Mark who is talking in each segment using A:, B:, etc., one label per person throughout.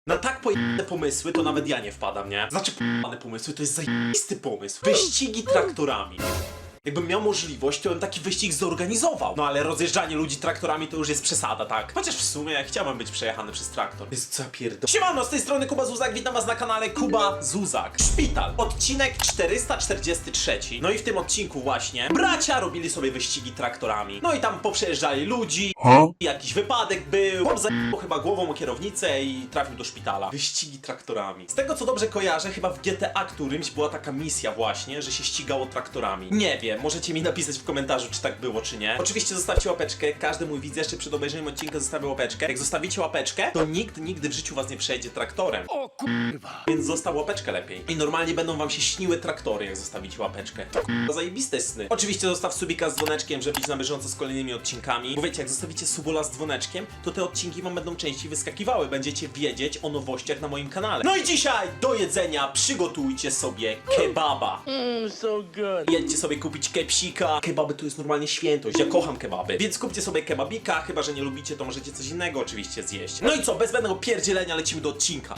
A: Na tak pojebane pomysły to nawet ja nie wpadam, nie? Znaczy pojebane pomysły to jest zajebisty pomysł. Wyścigi traktorami. Jakbym miał możliwość, to bym taki wyścig zorganizował. No ale rozjeżdżanie ludzi traktorami to już jest przesada, tak? Chociaż w sumie chciałbym być przejechany przez traktor. Jest co ja pierdolę. Siemano, z tej strony Kuba Zuzak, witam was na kanale Kuba Zuzak. Szpital, odcinek 443. No i w tym odcinku właśnie bracia robili sobie wyścigi traktorami. No i tam poprzejeżdżali ludzi, jakiś wypadek był, chłop zajebał chyba głową o kierownicę i trafił do szpitala. Wyścigi traktorami. Z tego co dobrze kojarzę, chyba w GTA którymś była taka misja właśnie, że się ścigało traktorami. Nie wiem. Możecie mi napisać w komentarzu, czy tak było, czy nie. Oczywiście zostawcie łapeczkę, każdy mój widz jeszcze przed obejrzeniem odcinka zostawi łapeczkę. Jak zostawicie łapeczkę, to nikt nigdy w życiu was nie przejedzie traktorem. O kurwa. Więc zostaw łapeczkę lepiej. I normalnie będą wam się śniły traktory, jak zostawicie łapeczkę. To kurwa zajebiste sny. Oczywiście zostaw subika z dzwoneczkiem, żeby być na bieżąco z kolejnymi odcinkami. Bo wiecie, jak zostawicie subola z dzwoneczkiem, to te odcinki wam będą częściej wyskakiwały. Będziecie wiedzieć o nowościach na moim kanale. No i dzisiaj do jedzenia przygotujcie sobie kebaba.
B: So good.
A: Jedźcie sobie kupić kepsika. Kebaby to jest normalnie świętość. Ja kocham kebaby. Więc kupcie sobie kebabika. Chyba że nie lubicie, to możecie coś innego oczywiście zjeść. No i co, bez zbędnego pierdzielenia lecimy do odcinka.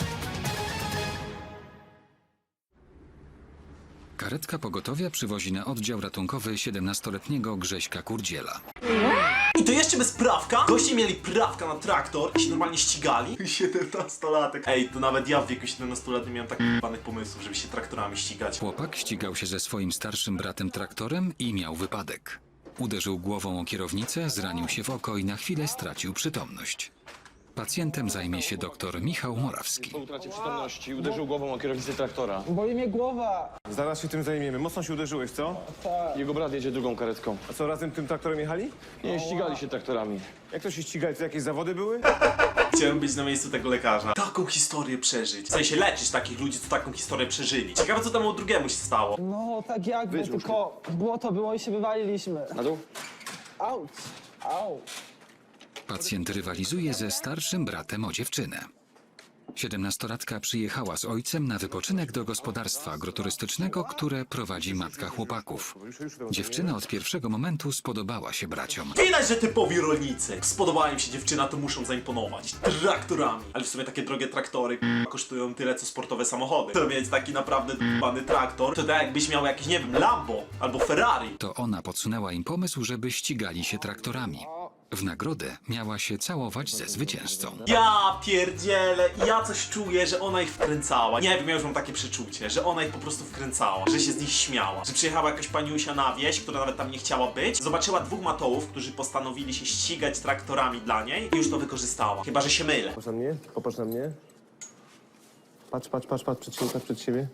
C: Karetka pogotowia przywozi na oddział ratunkowy 17-letniego Grześka Kurdziela.
A: I to jeszcze bez prawka. Goście mieli prawka na traktor i się normalnie ścigali. 17-latek. Ej, to nawet ja w wieku 17-letnim miałem tak panych pomysłów, żeby się traktorami ścigać.
C: Chłopak ścigał się ze swoim starszym bratem traktorem i miał wypadek. Uderzył głową o kierownicę, zranił się w oko i na chwilę stracił przytomność. Pacjentem zajmie się dr Michał Morawski.
B: Po utracie przytomności uderzył głową o kierownicę traktora.
D: Boli mnie głowa.
E: Zaraz się tym zajmiemy. Mocno się uderzyłeś, co?
B: Jego brat jedzie drugą karetką.
E: A co, razem tym traktorem jechali?
B: Nie, ścigali się traktorami.
E: Jak to się ścigali? To jakieś zawody były?
A: Chciałem być na miejscu tego lekarza. Taką historię przeżyć. W sensie leczyć takich ludzi, co taką historię przeżyli. Ciekawe, co temu drugiemu się stało.
D: No tak jakby, tylko błoto było i się wywaliliśmy.
B: Na dół?
D: Auć, au.
C: Pacjent rywalizuje ze starszym bratem o dziewczynę. 17-latka przyjechała z ojcem na wypoczynek do gospodarstwa agroturystycznego, które prowadzi matka chłopaków. Dziewczyna od pierwszego momentu spodobała się braciom.
A: Widać, że typowi rolnicy. Spodobała im się dziewczyna, to muszą zaimponować. Traktorami. Ale w sumie takie drogie traktory kosztują tyle, co sportowe samochody. To mieć taki naprawdę d***bany traktor, to tak jakbyś miał jakiś, nie wiem, Lambo albo Ferrari.
C: To ona podsunęła im pomysł, żeby ścigali się traktorami. W nagrodę miała się całować ze zwycięzcą.
A: Ja pierdzielę, ja coś czuję, że ona ich wkręcała. Nie wiem, ja już mam takie przeczucie, że ona ich po prostu wkręcała, że się z nich śmiała. Że przyjechała jakaś paniusia na wieś, która nawet tam nie chciała być, zobaczyła dwóch matołów, którzy postanowili się ścigać traktorami dla niej i już to wykorzystała. Chyba że się mylę.
E: Popatrz na mnie, popatrz na mnie. Patrz przed siebie, patrz przed siebie.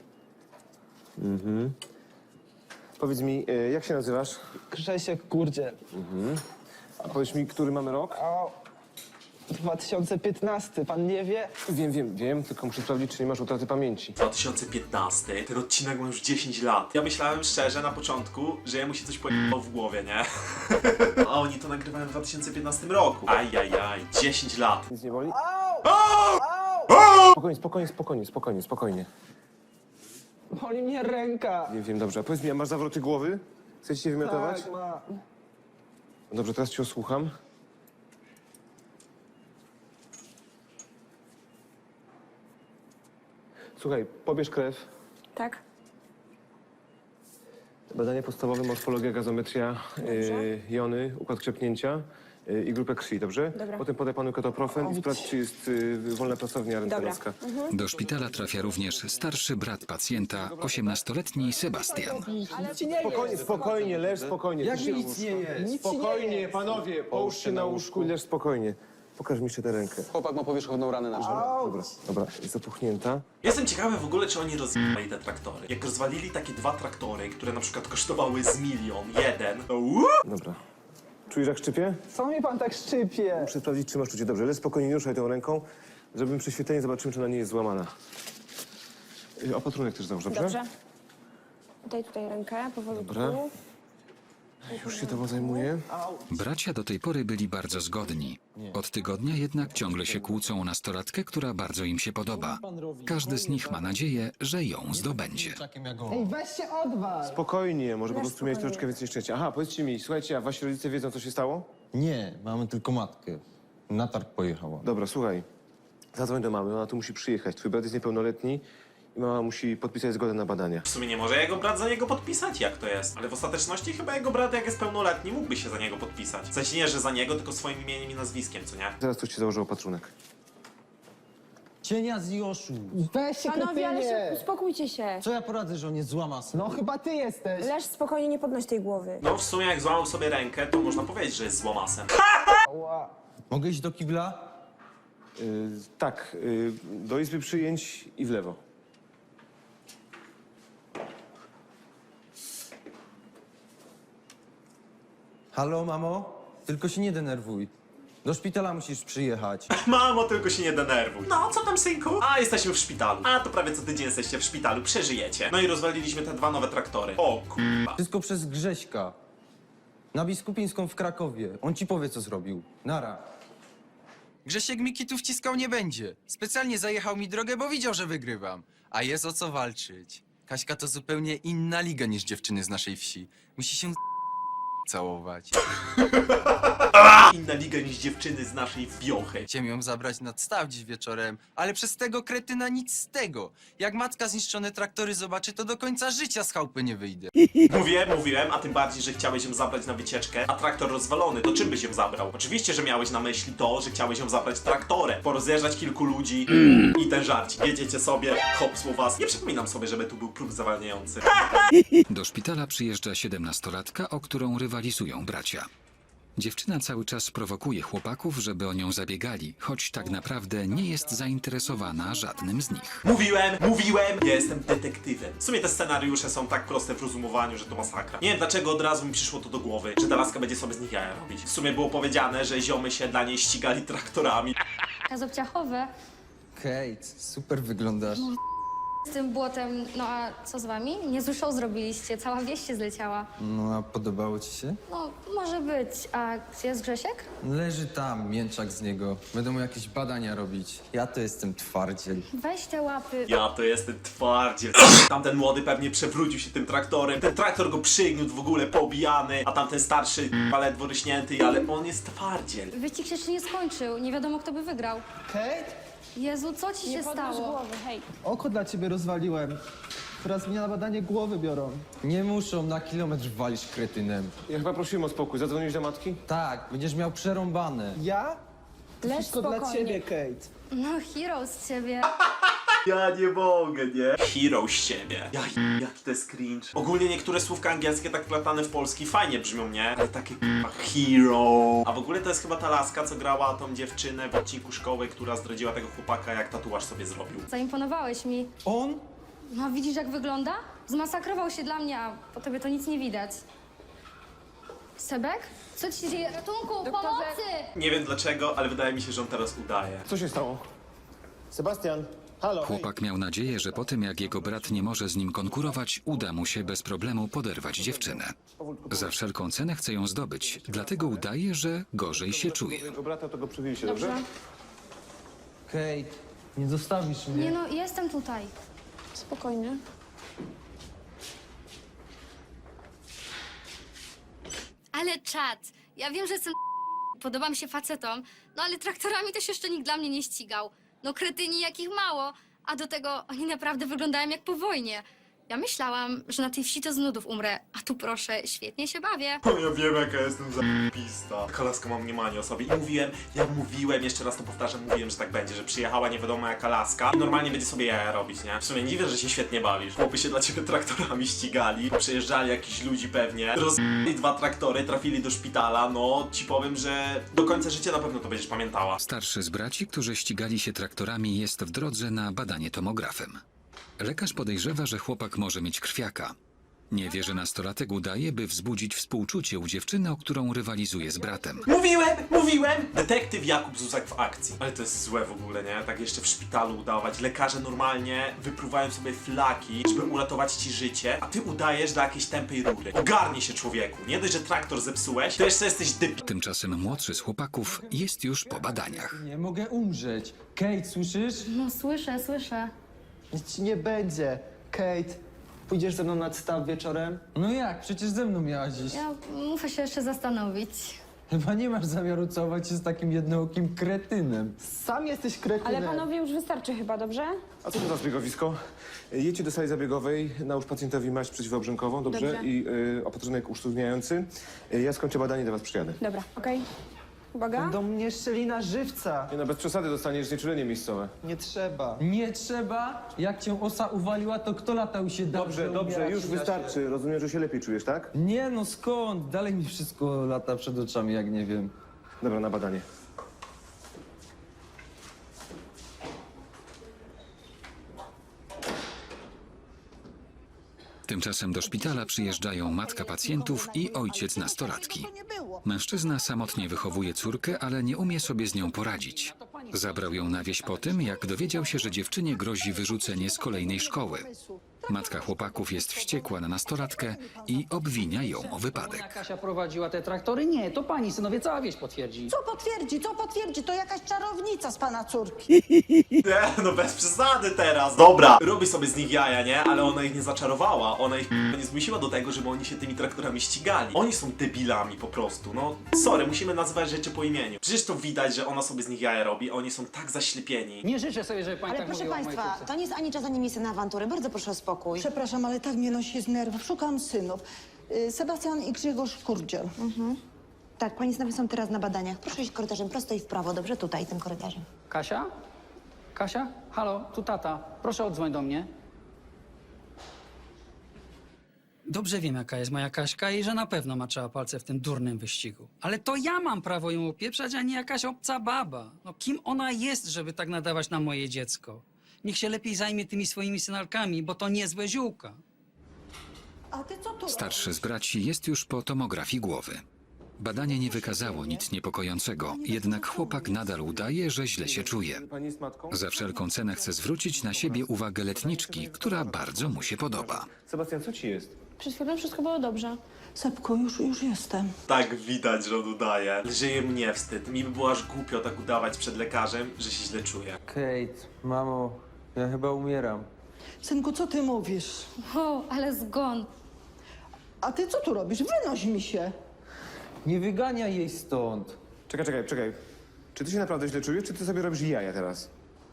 E: Powiedz mi, jak się nazywasz?
D: Grzesiek Kurdziel.
E: A powiedz mi, który mamy rok?
D: O, 2015, pan nie wie?
E: Wiem, tylko muszę sprawdzić, czy nie masz utraty pamięci.
A: 2015, ten odcinek ma już 10 lat. Ja myślałem szczerze na początku, że jemu się coś pojebało w głowie, nie? A oni to nagrywają w 2015 roku. Ajajaj, 10 lat.
E: Nic nie boli? Spokojnie.
D: Boli mnie ręka.
E: Wiem, dobrze. A powiedz mi, a masz zawroty głowy? Chcecie się wymiotować?
D: Tak, ma.
E: Dobrze, teraz cię osłucham. Słuchaj, pobierz krew.
F: Tak?
E: Badanie podstawowe, morfologia, gazometria, jony, układ krzepnięcia i grupę krwi, dobrze?
F: Dobra.
E: Potem podaj panu ketoprofen i sprawdź, czy jest wolna pracownia rentgenowska.
C: Do szpitala trafia również starszy brat pacjenta, 18-letni Sebastian.
D: Nic ci nie jest.
E: Spokojnie, leż spokojnie.
D: Jak mi nic nie jest? Nic ci nie
E: Spokojnie,
D: jest.
E: panowie, połóż się na łóżku i leż spokojnie. Pokaż mi jeszcze tę rękę.
B: Chłopak ma powierzchowną ranę na czole.
E: Dobra, jest zapuchnięta.
A: Jestem ciekawy w ogóle, czy oni rozwalili te traktory. Jak rozwalili takie dwa traktory, które na przykład kosztowały z milion, jeden, to
E: Dobra. Czujesz, jak szczypie?
D: Co mi pan tak szczypie?
E: Muszę sprawdzić, czy masz czucie. Dobrze, leż spokojnie, nie ruszaj tą ręką. Zrobimy prześwietlenie, zobaczymy, czy ona nie jest złamana. Opatrunek też załóż, dobrze?
F: Dobrze. Tutaj rękę, powolutku.
E: Dobra. Już się tobą zajmuję.
C: Bracia do tej pory byli bardzo zgodni. Od tygodnia jednak ciągle się kłócą o nastolatkę, która bardzo im się podoba. Każdy z nich ma nadzieję, że ją zdobędzie.
D: Ej, weź się odwal.
E: Spokojnie, może po
F: Leż
E: prostu miałeś
F: spokojnie.
E: troszeczkę więcej szczęścia. Aha, powiedzcie mi, słuchajcie, a wasi rodzice wiedzą, co się stało?
G: Nie, mamy tylko matkę. Na targ pojechała.
E: Dobra, słuchaj. Zadzwoń do mamy, ona tu musi przyjechać. Twój brat jest niepełnoletni i mama musi podpisać zgodę na badania.
A: W sumie nie może jego brat za niego podpisać, jak to jest? Ale w ostateczności chyba jego brat, jak jest pełnoletni, mógłby się za niego podpisać. W sensie nie, że za niego, tylko swoim imieniem i nazwiskiem, co nie?
E: Zaraz ktoś ci założy opatrunek.
G: Cienia z Joszu.
D: Weź się,
F: Panowie, ale się,
D: krytynie.
F: uspokójcie się.
G: Co ja poradzę, że on jest złamasa?
D: No chyba ty jesteś.
F: Leż spokojnie, nie podnoś tej głowy.
A: No w sumie jak złamał sobie rękę, to można powiedzieć, że jest złomasem.
D: Ła.
G: Mogę iść do kibla?
E: Tak, do izby przyjęć i w lewo.
G: Halo, mamo? Tylko się nie denerwuj. Do szpitala musisz przyjechać.
A: Mamo, tylko się nie denerwuj. No, co tam, synku? A, jesteśmy w szpitalu. A, to prawie co tydzień jesteście w szpitalu, przeżyjecie. No i rozwaliliśmy te 2 nowe traktory. O, kurwa.
G: Wszystko przez Grześka. Na Biskupińską w Krakowie. On ci powie, co zrobił. Nara.
H: Grzesiek mi kitów wciskał nie będzie. Specjalnie zajechał mi drogę, bo widział, że wygrywam. A jest o co walczyć. Kaśka to zupełnie inna liga niż dziewczyny z naszej wsi. Musi się całować.
A: Inna liga niż dziewczyny z naszej wiochy.
H: Chciałem ją zabrać nad staw dziś wieczorem, ale przez tego kretyna nic z tego. Jak matka zniszczone traktory zobaczy, to do końca życia z chałupy nie wyjdę.
A: Mówiłem, a tym bardziej, że chciałeś ją zabrać na wycieczkę, a traktor rozwalony, to czym byś ją zabrał? Oczywiście, że miałeś na myśli to, że chciałeś ją zabrać traktorem, porozjeżdżać kilku ludzi i ten żarcik. Jedziecie sobie, hopsło was. Nie przypominam sobie, żeby tu był próg zawalniający.
C: Do szpitala przyjeżdża 17-latka, o którą rywalizują bracia. Dziewczyna cały czas prowokuje chłopaków, żeby o nią zabiegali, choć tak naprawdę nie jest zainteresowana żadnym z nich.
A: Mówiłem, ja jestem detektywem. W sumie te scenariusze są tak proste w rozumowaniu, że to masakra. Nie wiem dlaczego od razu mi przyszło to do głowy, że ta laska będzie sobie z nich jaja robić. W sumie było powiedziane, że ziomy się dla niej ścigali traktorami.
I: Kazobciachowe
G: Kate, super wyglądasz.
I: z tym błotem, no a co z wami? Niezły show zrobiliście, cała wieś się zleciała.
G: No a podobało ci się?
I: No, może być. A gdzie jest Grzesiek?
G: Leży tam, mięczak z niego. Będą mu jakieś badania robić. Ja to jestem twardziel.
I: Weź te łapy.
A: Ja to jestem twardziel. Tamten młody pewnie przewrócił się tym traktorem. Ten traktor go przygniótł w ogóle pobijany, a tamten starszy ledwo ryśnięty, ale on jest twardziel.
I: Wyścig się jeszcze nie skończył, nie wiadomo kto by wygrał.
D: Kate?
I: Jezu, co ci
F: Nie
I: się
F: podnoś
I: stało?
F: głowy, hej.
D: Oko dla ciebie rozwaliłem. Teraz mnie na badanie głowy biorą.
G: Nie muszą, na kilometr walisz kretynem.
E: Ja chyba prosiłem o spokój. Zadzwoniłeś do matki?
G: Tak, będziesz miał przerąbane.
D: Ja? To
F: Leż
D: wszystko dla
F: spokojnie.
D: ciebie, Kate.
I: No, hero z ciebie.
A: Ja nie mogę, nie? Hero z siebie. Jaki to jest cringe. Ogólnie niektóre słówka angielskie tak wplatane w polski fajnie brzmią, nie? Ale takie k***a hero. A w ogóle to jest chyba ta laska, co grała tą dziewczynę w odcinku szkoły, która zdradziła tego chłopaka, jak tatuaż sobie zrobił.
I: Zaimponowałeś mi.
G: On?
I: No, widzisz jak wygląda? Zmasakrował się dla mnie, a po tobie to nic nie widać. Sebek? Co ci się dzieje? Ratunku, pomocy!
A: Nie wiem dlaczego, ale wydaje mi się, że on teraz udaje.
E: Co się stało?
J: Sebastian, halo.
C: Chłopak miał nadzieję, że po tym jak jego brat nie może z nim konkurować, uda mu się bez problemu poderwać dziewczynę. Za wszelką cenę chce ją zdobyć, dlatego udaje, że gorzej się czuje.
E: Jego brata to go przywieźcie, dobrze?
G: Kate, nie zostawisz mnie.
I: Nie no, jestem tutaj.
F: Spokojnie.
I: Ale czad, ja wiem, że jestem podobam się facetom, no ale traktorami też jeszcze nikt dla mnie nie ścigał. No kretyni jakich mało, a do tego oni naprawdę wyglądają jak po wojnie. Ja myślałam, że na tej wsi to z nudów umrę, a tu proszę, świetnie się bawię.
A: O, ja wiem jaka jestem zapista. Taka laska ma mniemanie o sobie. I mówiłem, jeszcze raz to powtarzam, mówiłem, że tak będzie, że przyjechała nie wiadomo jaka laska i normalnie będzie sobie jaja robić, nie? W sumie nie dziwię, że się świetnie bawisz. Chłopy się dla ciebie traktorami ścigali, przyjeżdżali jakiś ludzi pewnie, rozbili 2 traktory, trafili do szpitala, no ci powiem, że do końca życia na pewno to będziesz pamiętała.
C: Starszy z braci, którzy ścigali się traktorami, jest w drodze na badanie tomografem. Lekarz podejrzewa, że chłopak może mieć krwiaka. Nie wie, że nastolatek udaje, by wzbudzić współczucie u dziewczyny, o którą rywalizuje z bratem.
A: Mówiłem! Detektyw Jakub Zuzak w akcji. Ale to jest złe w ogóle, nie? Tak jeszcze w szpitalu udawać. Lekarze normalnie wypruwają sobie flaki, żeby uratować ci życie, a ty udajesz dla jakiejś tępej rury. Ogarnij się, człowieku. Nie dość, że traktor zepsułeś, to jeszcze jesteś
C: Tymczasem młodszy z chłopaków jest już po badaniach.
G: Nie mogę umrzeć. Kate, słyszysz?
I: No słyszę.
D: Nic ci nie będzie. Kate, pójdziesz ze mną na staw wieczorem?
G: No jak? Przecież ze mną miałaś iść.
I: Ja muszę się jeszcze zastanowić.
G: Chyba nie masz zamiaru całować się z takim jednookim kretynem.
D: Sam jesteś kretynem.
F: Ale panowie już wystarczy chyba, dobrze?
E: A co to za zbiegowisko? Jedźcie do sali zabiegowej, nałóż pacjentowi maść przeciwobrzękową, dobrze?
F: Dobrze.
E: I opatrunek usztywniający. Ja skończę badanie, do was przyjadę.
F: Dobra, okej. Uwaga.
D: Do mnie szczelina żywca.
E: Nie no, bez przesady dostaniesz znieczulenie miejscowe.
D: Nie trzeba.
G: Nie trzeba? Jak cię osa uwaliła, to kto latał się dał?
E: Dobrze,
G: że
E: dobrze,
G: umierać
E: już
G: nie da się?
E: wystarczy. Rozumiem, że się lepiej czujesz, tak?
G: Nie no, skąd? Dalej mi wszystko lata przed oczami, jak nie wiem.
E: Dobra, na badanie.
C: Tymczasem do szpitala przyjeżdżają matka pacjentów i ojciec nastolatki. Mężczyzna samotnie wychowuje córkę, ale nie umie sobie z nią poradzić. Zabrał ją na wieś po tym, jak dowiedział się, że dziewczynie grozi wyrzucenie z kolejnej szkoły. Matka chłopaków jest wściekła na nastolatkę i obwinia ją o wypadek.
K: Kasia prowadziła te traktory? Nie, to pani synowie, cała wieś potwierdzi.
L: Co potwierdzi? To jakaś czarownica z pana córki.
A: Nie, no bez przesady teraz. Dobra, robi sobie z nich jaja, nie? Ale ona ich nie zaczarowała. Ona ich nie zmusiła do tego, żeby oni się tymi traktorami ścigali. Oni są debilami po prostu. No, sorry, musimy nazywać rzeczy po imieniu. Przecież to widać, że ona sobie z nich jaja robi, a oni są tak zaślepieni.
K: Nie życzę sobie, żeby pani
L: Ale
K: tak
L: proszę
K: mówiła o mojej
L: państwa,
K: córce.
L: to nie jest ani czas, ani miejsce na awantury. Bardzo proszę o spokój. Przepraszam, ale tak mnie nosi z nerwów. Szukam synów. Sebastian i Grzegorz Kurdziel. Tak, pani synowie są teraz na badaniach. Proszę iść korytarzem prosto i w prawo, dobrze? Tutaj, tym korytarzem.
K: Kasia? Kasia? Halo, tu tata. Proszę odzwoń do mnie. Dobrze wiem, jaka jest moja Kaśka i że na pewno maczała palce w tym durnym wyścigu. Ale to ja mam prawo ją opieprzać, a nie jakaś obca baba. No kim ona jest, żeby tak nadawać na moje dziecko? Niech się lepiej zajmie tymi swoimi synalkami, bo to niezłe ziółka.
L: A ty co tu?
C: Starszy z braci jest już po tomografii głowy. Badanie nie wykazało nic niepokojącego, jednak chłopak nadal udaje, że źle się czuje.
E: Pani jest matką?
C: Za wszelką cenę chce zwrócić na siebie uwagę letniczki, która bardzo mu się podoba.
E: Sebastian, co ci jest?
F: Przed chwilą wszystko było dobrze.
L: Sepko, już jestem.
A: Tak widać, że on udaje. Żyje mnie wstyd. Mi by było aż głupio tak udawać przed lekarzem, że się źle czuję.
G: Kate, mamo, ja chyba umieram.
L: Synku, co ty mówisz?
I: O, ale zgon.
L: A ty co tu robisz? Wynoś mi się.
G: Nie wyganiaj jej stąd.
E: Czekaj. Czy ty się naprawdę źle czujesz, czy ty sobie robisz jaja teraz?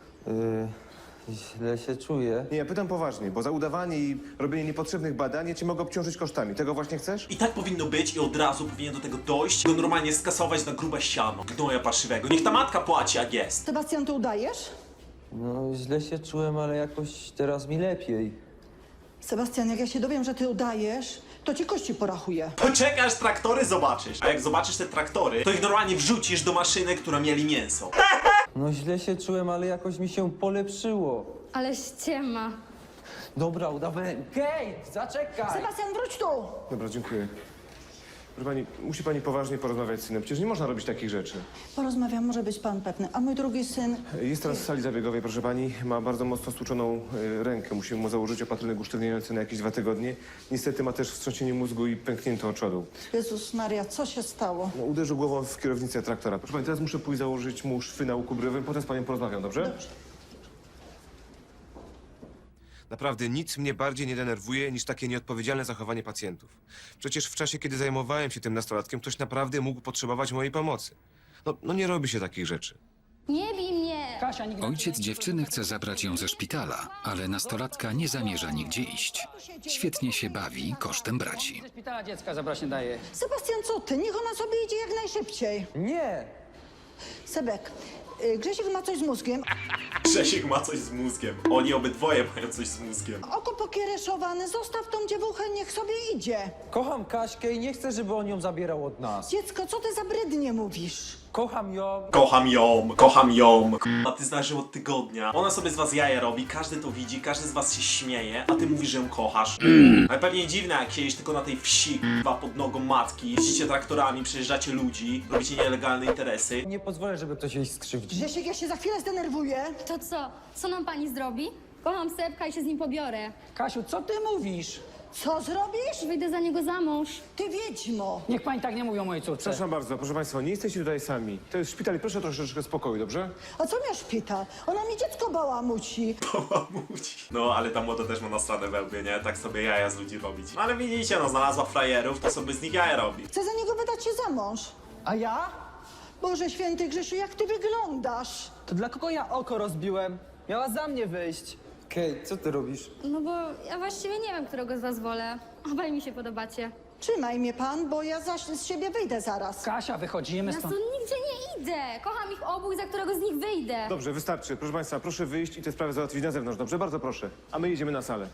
G: Źle się czuję.
E: Nie, ja pytam poważnie, bo za udawanie i robienie niepotrzebnych badań ja cię mogę obciążyć kosztami. Tego właśnie chcesz?
A: I tak powinno być i od razu powinien do tego dojść, go normalnie skasować na grube siano. Gnoja parszywego. Niech ta matka płaci, jak jest.
L: Sebastian, ty udajesz?
G: No, źle się czułem, ale jakoś teraz mi lepiej.
L: Sebastian, jak ja się dowiem, że ty udajesz, to ci kości porachuję.
A: Poczekaj, aż traktory zobaczysz. A jak zobaczysz te traktory, to ich normalnie wrzucisz do maszyny, która mieli mięso.
G: No, źle się czułem, ale jakoś mi się polepszyło.
I: Ale ściema.
G: Dobra, udawałem. Kate, zaczekaj!
L: Sebastian, wróć tu!
E: Dobra, dziękuję. Proszę pani, musi pani poważnie porozmawiać z synem. Przecież nie można robić takich rzeczy.
L: Porozmawiam, może być pan pewny. A mój drugi syn...
E: Jest teraz w sali zabiegowej, proszę pani. Ma bardzo mocno stłuczoną rękę. Musimy mu założyć opatrunek usztywniający na jakieś 2 tygodnie. Niestety ma też wstrząsienie mózgu i pękniętą oczodu.
L: Jezus Maria, co się stało?
E: No, uderzył głową w kierownicę traktora. Proszę pani, teraz muszę pójść założyć mu szwy na łuku brwiowym. Potem z panią porozmawiam, dobrze? Naprawdę nic mnie bardziej nie denerwuje niż takie nieodpowiedzialne zachowanie pacjentów. Przecież w czasie, kiedy zajmowałem się tym nastolatkiem, ktoś naprawdę mógł potrzebować mojej pomocy. No nie robi się takich rzeczy.
I: Nie bij mnie!
K: Kasia, nigdy...
C: Ojciec dziewczyny chce zabrać ją ze szpitala, ale nastolatka nie zamierza nigdzie iść. Świetnie się bawi kosztem braci.
K: Ze szpitala dziecka zabrać nie daje.
L: Sebastian, co ty? Niech ona sobie idzie jak najszybciej.
G: Nie!
L: Sebek, Grzesiek ma coś z mózgiem,
A: Grzesiek ma coś z mózgiem. Oni obydwoje mają coś z mózgiem.
L: oko pokiereszowane, zostaw tą dziewuchę, niech sobie idzie.
G: Kocham Kaśkę i nie chcę, żeby on ją zabierał od nas.
L: Dziecko, co ty za brydnie mówisz?
G: Kocham ją.
A: Kocham ją. A ty znasz ją od tygodnia. Ona sobie z was jaja robi, każdy to widzi, każdy z was się śmieje, a ty mówisz, że ją kochasz. Ale pewnie dziwne, jak siedzisz tylko na tej wsi, pod nogą matki, jeździcie traktorami, przejeżdżacie ludzi, robicie nielegalne interesy.
G: Nie pozwolę, żeby ktoś jej skrzywdził.
L: Grzesiek, ja się za chwilę zdenerwuję.
I: To co? Co nam pani zrobi? Kocham Sepka i się z nim pobiorę.
K: Kasiu, co ty mówisz?
L: Co zrobisz?
I: Wyjdę za niego za mąż.
L: Ty wiedźmo.
K: Niech pani tak nie mówi o mojej córce.
E: Przepraszam bardzo, proszę państwa, nie jesteście tutaj sami. To jest szpital i proszę troszeczkę spokoju, dobrze?
L: A co miał szpital? Ona mi dziecko bałamuci.
A: No, ale ta młoda też ma nasrane we łbie, nie? Tak sobie jaja z ludzi robić. No ale widzicie, no znalazła frajerów, to sobie z nich jaja robi.
L: Chcę za niego wydać się za mąż.
D: A ja?
L: Boże święty Grzesiu, jak ty wyglądasz?
D: To dla kogo ja oko rozbiłem? Miała za mnie wyjść.
G: Kate, co ty robisz?
I: No bo ja właściwie nie wiem, którego z was wolę. Obaj mi się podobacie.
L: Trzymaj mnie pan, bo ja z siebie wyjdę zaraz.
K: Kasia, wychodzimy
I: Ja
K: stąd.
I: tu nigdzie nie idę. Kocham ich obu i za którego z nich wyjdę.
B: Dobrze, wystarczy. Proszę państwa, proszę wyjść i tę sprawę załatwić na zewnątrz. Dobrze, bardzo proszę. A my jedziemy na salę.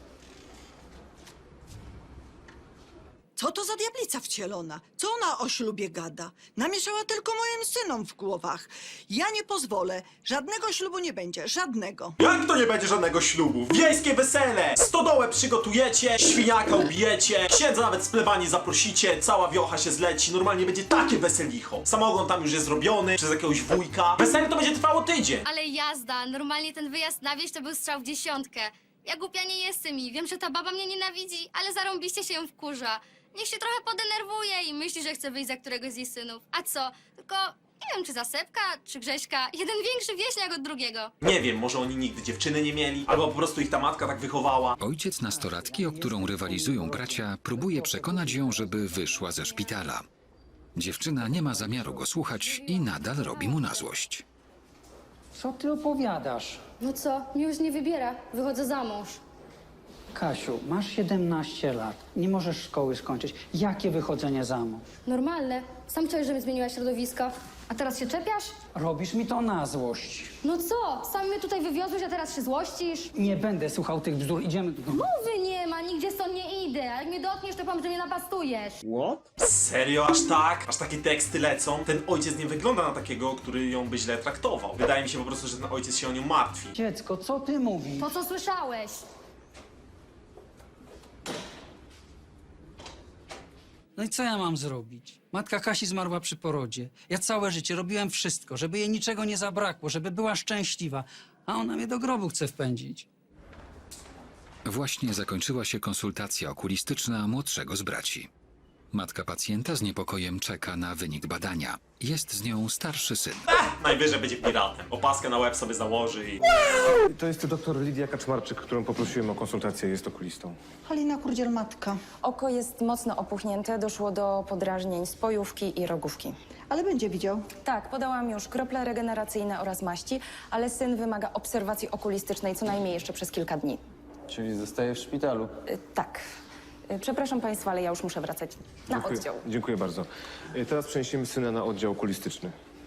L: Co to za diablica wcielona? Co ona o ślubie gada? Namieszała tylko moim synom w głowach. Ja nie pozwolę. Żadnego ślubu nie będzie. Żadnego.
A: Jak to nie będzie żadnego ślubu? Wiejskie wesele! Stodołę przygotujecie, świniaka ubijecie, księdza nawet z plebanii zaprosicie, cała wiocha się zleci, normalnie będzie takie weselicho. Samogon tam już jest zrobiony przez jakiegoś wujka. Wesele to będzie trwało tydzień.
I: Ale jazda, normalnie ten wyjazd na wieś to był strzał w dziesiątkę. Ja głupia nie jestem i wiem, że ta baba mnie nienawidzi, ale zarąbiście się ją wkurza. Niech się trochę podenerwuje i myśli, że chce wyjść za któregoś z jej synów. A co? Tylko nie wiem, czy za Sepka, czy Grześka. Jeden większy wieśniak od drugiego.
A: Nie wiem, może oni nigdy dziewczyny nie mieli, albo po prostu ich ta matka tak wychowała.
C: Ojciec nastolatki, o którą rywalizują bracia, próbuje przekonać ją, żeby wyszła ze szpitala. Dziewczyna nie ma zamiaru go słuchać i nadal robi mu na złość.
K: Co ty opowiadasz?
I: No co? Miłość nie wybiera. Wychodzę za mąż.
K: Kasiu, masz 17 lat. Nie możesz szkoły skończyć. Jakie wychodzenie za mąż?
I: Normalne. Sam chciałeś, żebym zmieniła środowisko. A teraz się czepiasz?
K: Robisz mi to na złość.
I: No co? Sam mnie tutaj wywiozłeś, a teraz się złościsz?
K: Nie będę słuchał tych bzdur. Idziemy do domu.
I: Mowy nie ma, nigdzie stąd nie idę. A jak mnie dotkniesz, to powiem, że mnie napastujesz.
A: Serio, aż tak? Aż takie teksty lecą? Ten ojciec nie wygląda na takiego, który ją by źle traktował. Wydaje mi się po prostu, że ten ojciec się o nią martwi.
K: Dziecko, co ty mówisz?
I: To, co słyszałeś.
K: No i co ja mam zrobić? Matka Kasi zmarła przy porodzie. Ja całe życie robiłem wszystko, żeby jej niczego nie zabrakło, żeby była szczęśliwa, a ona mnie do grobu chce wpędzić.
C: Właśnie zakończyła się konsultacja okulistyczna młodszego z braci. Matka pacjenta z niepokojem czeka na wynik badania. Jest z nią starszy syn.
A: Najwyżej będzie piratem. Opaskę na łeb sobie założy i...
B: To jest doktor Lidia Kaczmarczyk, którą poprosiłem o konsultację. Jest okulistą.
L: Halina Kurdziel, matka.
F: Oko jest mocno opuchnięte, doszło do podrażnień spojówki i rogówki.
L: Ale będzie widział.
F: Tak, podałam już krople regeneracyjne oraz maści, ale syn wymaga obserwacji okulistycznej co najmniej jeszcze przez kilka dni.
G: Czyli zostaje w szpitalu.
F: Tak. Przepraszam państwa, ale ja już muszę wracać na oddział.
B: Dziękuję bardzo. Teraz przeniesiemy syna na oddział okulistyczny.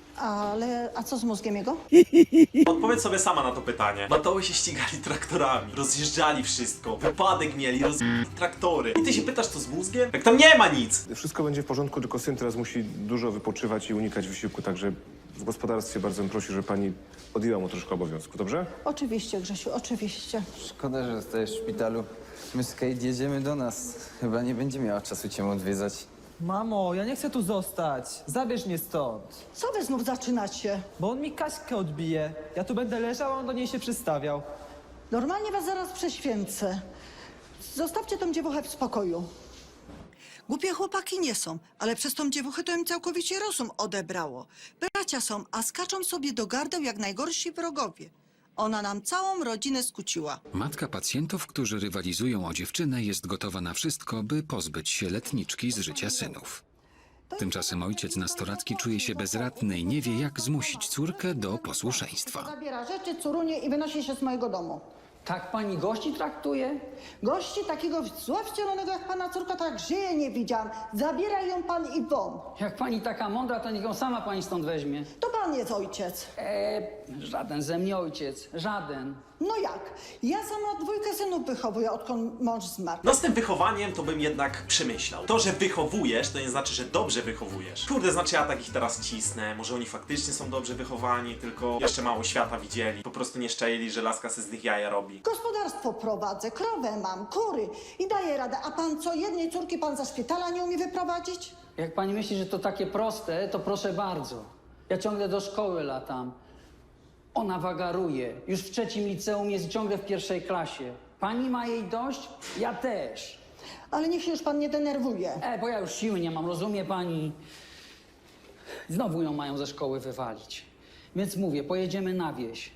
L: A co z mózgiem jego?
A: Odpowiedz sobie sama na to pytanie. Batoły się ścigali traktorami, rozjeżdżali wszystko, wypadek mieli, rozjeżdżali traktory. I ty się pytasz, co z mózgiem? Jak tam nie ma nic!
B: Wszystko będzie w porządku, tylko syn teraz musi dużo wypoczywać i unikać wysiłku, także w gospodarstwie bardzo bym prosił, żeby pani odjęła mu troszkę obowiązku, dobrze?
L: Oczywiście, Grzesiu, oczywiście.
G: Szkoda, że zostajesz w szpitalu. My z Kate jedziemy do nas. Chyba nie będzie miała czasu cię odwiedzać.
D: Mamo, ja nie chcę tu zostać. Zabierz mnie stąd.
L: Co wy znów zaczynacie?
D: Bo on mi Kaśkę odbije. Ja tu będę leżał, a on do niej się przystawiał.
L: Normalnie was zaraz prześwięcę. Zostawcie tą dziewuchę w spokoju. Głupie chłopaki nie są, ale przez tą dziewuchę to im całkowicie rozum odebrało. Bracia są, a skaczą sobie do gardeł jak najgorsi wrogowie. Ona nam całą rodzinę skuciła.
C: Matka pacjentów, którzy rywalizują o dziewczynę, jest gotowa na wszystko, by pozbyć się letniczki z życia synów. Tymczasem ojciec nastolatki czuje się bezradny i nie wie, jak zmusić córkę do posłuszeństwa.
L: Zabiera rzeczy, curunie i wynosi się z mojego domu.
K: Tak pani gości traktuje?
L: Gości takiego zła wcielonego jak pana córka, tak żyje nie widziałam. Zabieraj ją pan i won.
K: Jak pani taka mądra, to niech ją sama pani stąd weźmie.
L: To pan jest ojciec.
K: Żaden ze mnie ojciec. Żaden.
L: No jak? Ja sama dwójkę synów wychowuję, odkąd mąż zmarł.
A: No z tym wychowaniem to bym jednak przemyślał. To, że wychowujesz, to nie znaczy, że dobrze wychowujesz. Kurde, znaczy ja takich teraz cisnę. Może oni faktycznie są dobrze wychowani, tylko jeszcze mało świata widzieli. Po prostu nie szczęli, że laska se z nich jaja robi.
L: Gospodarstwo prowadzę, krowę mam, kury i daję radę. A pan co, jednej córki pan ze szpitala nie umie wyprowadzić?
K: Jak pani myśli, że to takie proste, to proszę bardzo. Ja ciągle do szkoły latam. Ona wagaruje. Już w 3. liceum jest ciągle w 1. klasie. Pani ma jej dość? Ja też.
L: Ale niech się już pan nie denerwuje.
K: Bo ja już siły nie mam, rozumie pani? Znowu ją mają ze szkoły wywalić. Więc mówię, pojedziemy na wieś.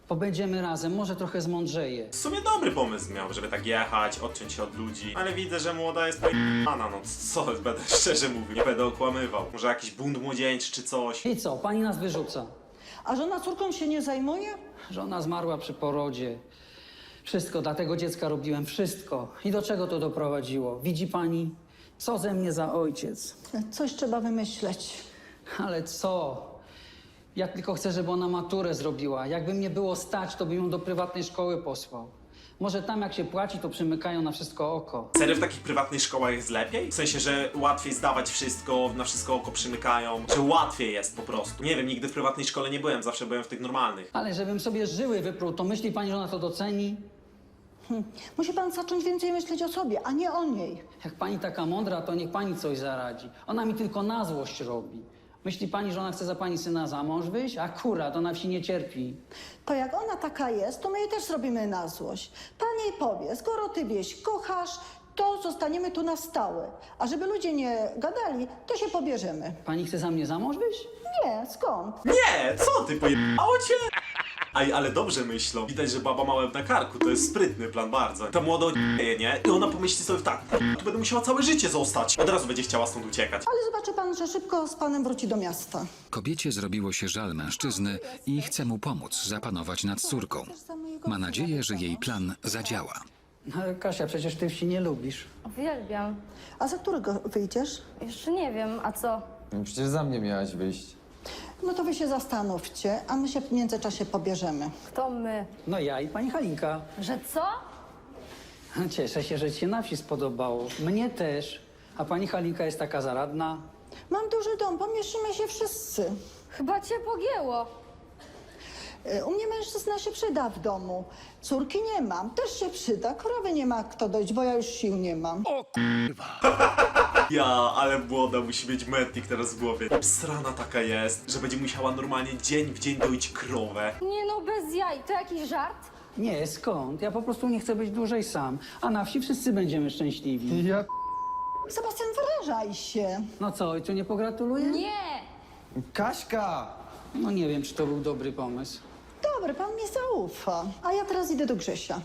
K: Pobędziemy razem, może trochę zmądrzeje.
A: W sumie dobry pomysł miał, żeby tak jechać, odciąć się od ludzi. Ale widzę, że młoda jest p***ana, no co, będę szczerze mówił, nie będę okłamywał. Może jakiś bunt młodzieńczy czy coś.
K: I co, pani nas wyrzuca?
L: A żona córką się nie zajmuje?
K: Żona zmarła przy porodzie. Wszystko, dla tego dziecka robiłem wszystko. I do czego to doprowadziło? Widzi pani, co ze mnie za ojciec?
L: Coś trzeba wymyśleć.
K: Ale co? Ja tylko chcę, żeby ona maturę zrobiła. Jakby mnie było stać, to bym ją do prywatnej szkoły posłał. Może tam jak się płaci, to przymykają na wszystko oko.
A: Serio w takich prywatnych szkołach jest lepiej? W sensie, że łatwiej zdawać wszystko, na wszystko oko przymykają, że łatwiej jest po prostu. Nie wiem, nigdy w prywatnej szkole nie byłem, zawsze byłem w tych normalnych.
K: Ale żebym sobie żyły wypruł, to myśli pani, że ona to doceni?
L: Musi pan zacząć więcej myśleć o sobie, a nie o niej.
K: Jak pani taka mądra, to niech pani coś zaradzi. Ona mi tylko na złość robi. Myśli pani, że ona chce za pani syna za mąż wyjść? Akurat, ona wsi nie cierpi.
L: To jak ona taka jest, to my jej też zrobimy na złość. Pan jej powie, skoro ty wieś kochasz, to zostaniemy tu na stałe. A żeby ludzie nie gadali, to się pobierzemy.
K: Pani chce za mnie za mąż wyjść?
L: Nie, skąd?
A: Nie, co ty, pojebało cię? Aj, ale dobrze myślą. Widać, że baba ma łeb na karku, to jest sprytny plan bardzo. Ta młoda odjeje, nie? I ona pomyśli sobie tak, tu będę musiała całe życie zostać. Od razu będzie chciała stąd uciekać.
L: Ale zobaczy pan, że szybko z panem wróci do miasta.
C: Kobiecie zrobiło się żal mężczyzny i chce mu pomóc zapanować nad córką. Ma nadzieję, że jej plan zadziała.
K: Ale Kasia, przecież ty wsi nie lubisz.
F: Uwielbiam.
L: A za którego wyjdziesz?
F: Jeszcze nie wiem, a co?
G: Przecież za mnie miałaś wyjść.
L: No to wy się zastanówcie, a my się w międzyczasie pobierzemy.
F: Kto my?
K: No ja i pani Halinka.
F: Że co?
K: Cieszę się, że ci się na wsi spodobało. Mnie też. A pani Halinka jest taka zaradna.
L: Mam duży dom, pomieścimy się wszyscy.
F: Chyba cię pogięło.
L: U mnie mężczyzna się przyda w domu. Córki nie mam, też się przyda. Krowy nie ma kto dojść, bo ja już sił nie mam.
A: Ja, ale młoda musi mieć mętnik teraz w głowie. Obsrana taka jest, że będzie musiała normalnie dzień w dzień doić krowę.
F: Nie no, bez jaj. To jakiś żart?
K: Nie, skąd? Ja po prostu nie chcę być dłużej sam. A na wsi wszyscy będziemy szczęśliwi.
G: Ja...
L: Sebastian, wyrażaj się.
K: No co, ojcu nie pogratuluję?
F: Nie!
G: Kaśka!
K: No nie wiem, czy to był dobry pomysł.
L: Dobry, pan mi zaufa. A ja teraz idę do Grzesia.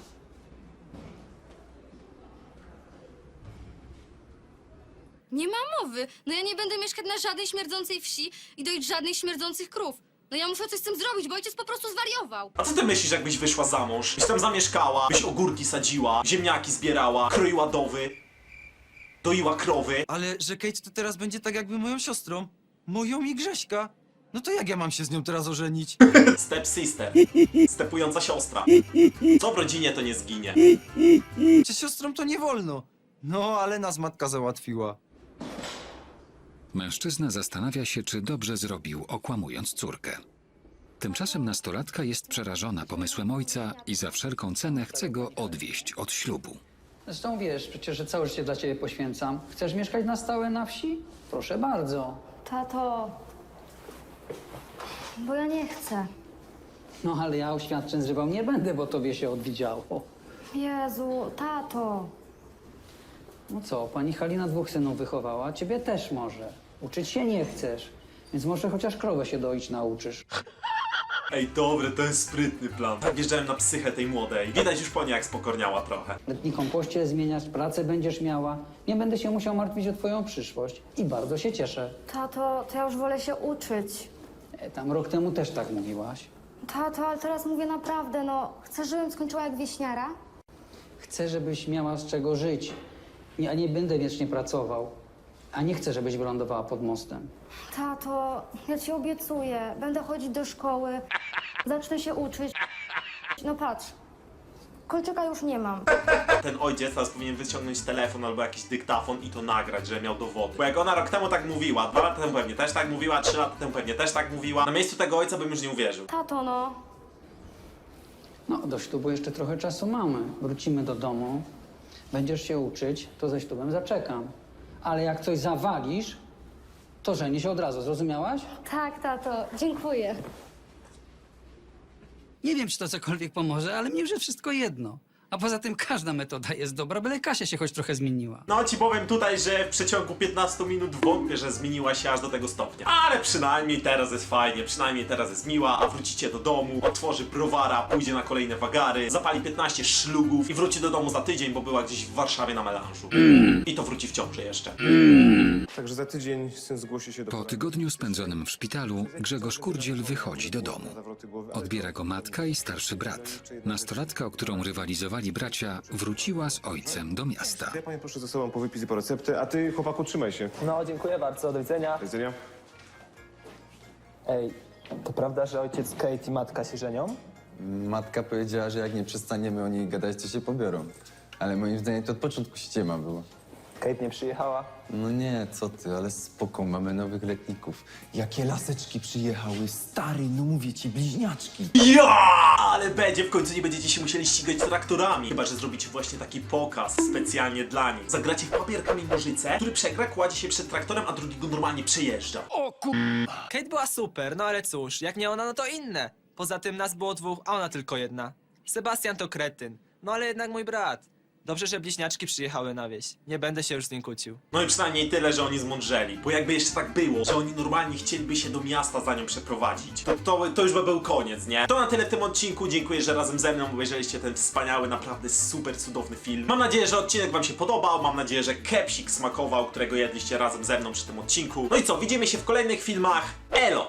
I: Nie ma mowy. No ja nie będę mieszkać na żadnej śmierdzącej wsi i doić żadnych śmierdzących krów. No ja muszę coś z tym zrobić, bo ojciec po prostu zwariował.
A: A co ty myślisz, jakbyś wyszła za mąż? Byś tam zamieszkała, byś ogórki sadziła, ziemniaki zbierała, kroiła dowy, doiła krowy.
H: Ale że Kate to teraz będzie tak jakby moją siostrą. Moją i Grześka. No to jak ja mam się z nią teraz ożenić?
A: Step sister. Stepująca siostra. Co w rodzinie to nie zginie.
H: Czy siostrą to nie wolno? No, ale nas matka załatwiła.
C: Mężczyzna zastanawia się, czy dobrze zrobił, okłamując córkę. Tymczasem nastolatka jest przerażona pomysłem ojca i za wszelką cenę chce go odwieźć od ślubu.
K: Zresztą wiesz, przecież że całe życie dla ciebie poświęcam. Chcesz mieszkać na stałe na wsi? Proszę bardzo.
F: Tato... Bo ja nie chcę.
K: No ale ja oświadczeń zrywał nie będę, bo tobie się odwidziało.
F: Jezu, tato.
K: No co, pani Halina 2 synów wychowała, ciebie też może. Uczyć się nie chcesz, więc może chociaż krowę się doić nauczysz.
A: Ej, dobre, to jest sprytny plan. Tak wjeżdżałem na psychę tej młodej. Widać już po niej, jak spokorniała trochę.
K: Letni kompoście zmieniać, pracę będziesz miała. Nie będę się musiał martwić o twoją przyszłość. I bardzo się cieszę.
F: Tato, to ja już wolę się uczyć.
K: Tam rok temu też tak mówiłaś.
F: Tato, ale teraz mówię naprawdę, no. Chcesz, żebym skończyła jak wieśniara?
K: Chcę, żebyś miała z czego żyć. Ja nie będę wiecznie pracował. A nie chcę, żebyś wylądowała pod mostem.
F: Tato, ja ci obiecuję. Będę chodzić do szkoły. Zacznę się uczyć. No patrz. Kolczyka już nie mam.
A: Ten ojciec teraz powinien wyciągnąć telefon albo jakiś dyktafon i to nagrać, że miał dowody. Bo jak ona rok temu tak mówiła, 2 lata temu pewnie też tak mówiła, 3 lata temu pewnie też tak mówiła, na miejscu tego ojca bym już nie uwierzył.
F: Tato, no.
K: No, do ślubu jeszcze trochę czasu mamy. Wrócimy do domu. Będziesz się uczyć, to ze ślubem zaczekam. Ale jak coś zawalisz, to żeni się od razu, zrozumiałaś?
F: Tak, tato. Dziękuję.
K: Nie wiem, czy to cokolwiek pomoże, ale mnie już jest wszystko jedno. A poza tym każda metoda jest dobra, byle Kasia się choć trochę zmieniła.
A: No ci powiem tutaj, że w przeciągu 15 minut wątpię, że zmieniła się aż do tego stopnia. Ale przynajmniej teraz jest fajnie, przynajmniej teraz jest miła, a wrócicie do domu, otworzy browara, pójdzie na kolejne wagary, zapali 15 szlugów i wróci do domu za tydzień, bo była gdzieś w Warszawie na melanżu. I to wróci w ciąży jeszcze.
B: Także za tydzień syn zgłosi się do...
C: Po tygodniu spędzonym w szpitalu Grzegorz Kurdziel wychodzi do domu. Odbiera go matka i starszy brat. Nastolatka, o którą rywalizowali bracia, wróciła z ojcem do miasta.
B: Ja panią proszę ze sobą po wypis i po receptę, a ty, chłopaku, trzymaj się.
D: No, dziękuję bardzo, do widzenia.
B: Do widzenia.
D: Ej, to prawda, że ojciec Kate i matka się żenią?
G: Matka powiedziała, że jak nie przestaniemy o niej gadać, to się pobiorą. Ale moim zdaniem to od początku ściema było.
D: Kate nie przyjechała?
G: No nie, co ty, ale spoko, mamy nowych letników. Jakie laseczki przyjechały, stary, no mówię ci, bliźniaczki.
A: Ja! Ale będzie, w końcu nie będziecie się musieli ścigać traktorami. Chyba że zrobicie właśnie taki pokaz specjalnie dla nich. Zagracie w papier, kamień, nożyce, który przegra, kładzie się przed traktorem, a drugi go normalnie przejeżdża.
D: Kate była super, no ale cóż, jak nie ona, no to inne. Poza tym nas było dwóch, a ona tylko jedna. Sebastian to kretyn, no ale jednak mój brat. Dobrze, że bliźniaczki przyjechały na wieś. Nie będę się już z nim kłócił.
A: No i przynajmniej tyle, że oni zmądrzeli. Bo jakby jeszcze tak było, że oni normalnie chcieliby się do miasta za nią przeprowadzić, to już by był koniec, nie? To na tyle w tym odcinku. Dziękuję, że razem ze mną obejrzeliście ten wspaniały, naprawdę super cudowny film. Mam nadzieję, że odcinek wam się podobał. Mam nadzieję, że kepsik smakował, którego jedliście razem ze mną przy tym odcinku. No i co, widzimy się w kolejnych filmach. Elo!